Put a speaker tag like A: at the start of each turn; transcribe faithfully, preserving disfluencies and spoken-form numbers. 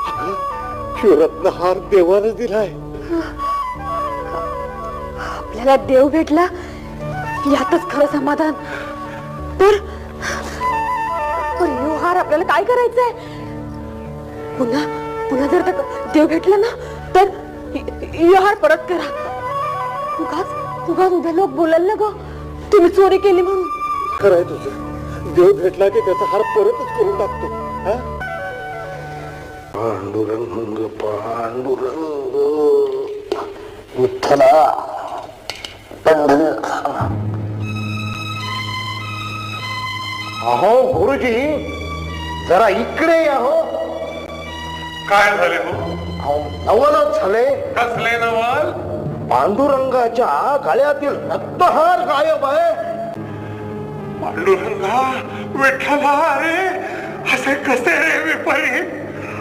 A: रत्नहार देवाने दिलाय.
B: आपल्याला देव भेटला यातच खरं समाधान. तर यो हार आपल्याला काय करायचंय? पुन्हा पुन्हा जर देव भेटला ना तर यो हार परत करा. उगाच उगाच उद्या लोक बोलाल ना ग तुम्ही चोरी केली म्हणून.
A: खरंय तुझं. देव भेटला की त्याचा हार परतच करून टाकतो. पांडुरंग पांडुरंग विठ्ठला पंढरीनाथ. अहो गुरुजी जरा इकडे या. हो
C: काय झाले हो?
A: नवलच झाले.
C: कसले नवल?
A: पांडुरंगाच्या गळ्यातील रत्नहार गायब आहे.
C: पांडुरंगा विठ्ठला, अरे असे कसे रे विपरीत?